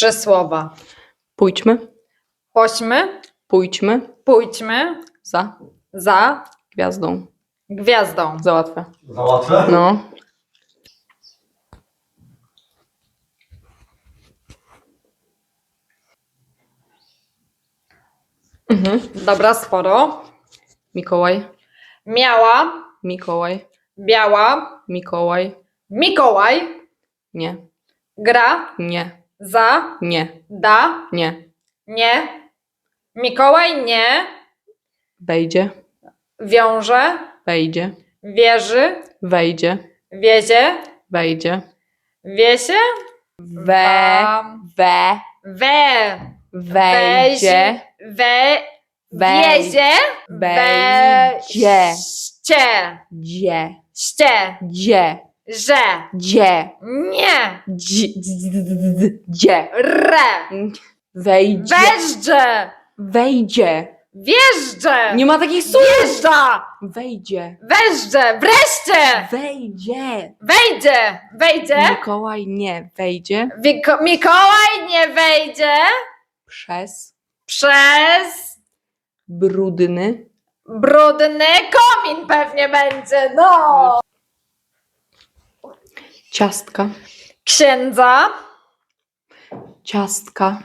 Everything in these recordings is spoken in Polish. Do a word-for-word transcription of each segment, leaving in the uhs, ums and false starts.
Trzy słowa. Pójdźmy, Chodźmy, pójdźmy pójdźmy za za gwiazdą. gwiazdą. Załatwię. Za łatwe? No. Mhm. Dobra, sporo. Mikołaj, Miała, Mikołaj, biała, Mikołaj. Mikołaj, Nie, gra, nie, za, nie, da, nie. nie. Mikołaj nie, Wejdzie, wiąże, wejdzie, wierzy, wejdzie, wiezie, wejdzie. wiesie, We, wa- we, we, wejdzie, we, Wej- wiezie, wejdzie. ście, dzie, ście, dzie, że, dzie, nie, dzie, dzie. re, Wejdzie, wjeżdżę, wejdzie. wjeżdżę, Nie ma takich słów. wjeżdża, Wejdzie, wjeżdżę, wreszcie, wejdzie. wejdzie, wejdzie, Mikołaj nie wejdzie Wiko- Mikołaj nie wejdzie przez przez brudny brudny komin pewnie będzie, no. ciastka, Księdza, ciastka,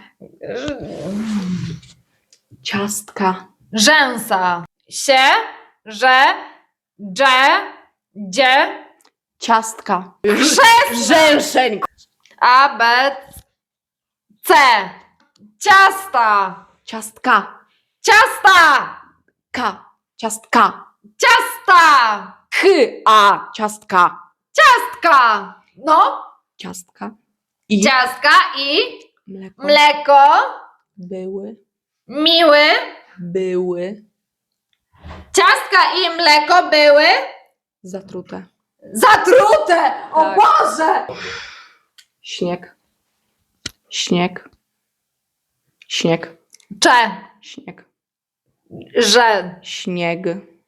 ciastka, rzęsa, się, że, dże, dzie, ciastka, rzęszeń, a, b, c, ciasta, ciastka, ciasta, ka, ciastka, ciasta, k, a, ciastka, ciastka, no, ciastka i ciastka i mleko mleko, były, miły, były ciastka i mleko były zatrute. zatrute! O Tak. Boże! Śnieg, śnieg, śnieg, Cze, śnieg, że, śnieg,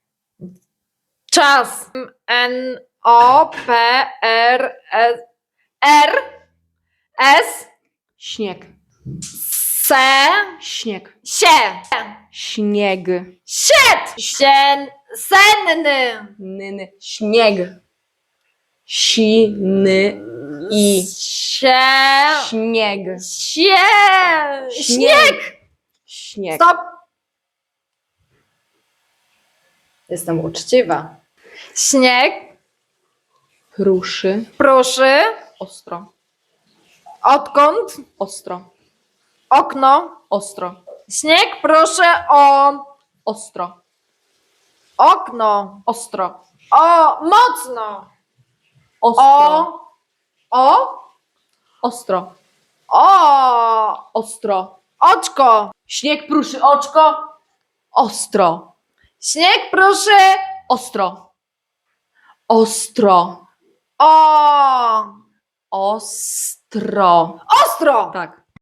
czas. N, O, P, R, S, R, S, śnieg, Se, śnieg, Sie, śnieg, siet, sien, senny, nyny, śnieg, siny i Sie, śnieg, sie, śnieg. śnieg, Stop! Jestem uczciwa. Śnieg, pruszy, pruszy, ostro, odkąd, ostro, okno, ostro, śnieg, proszę o ostro, okno, ostro, o mocno, ostro, o, o, ostro, o, ostro, oczko, śnieg pruszy oczko, ostro, śnieg, proszę ostro, ostro, o ostro, ostro, tak.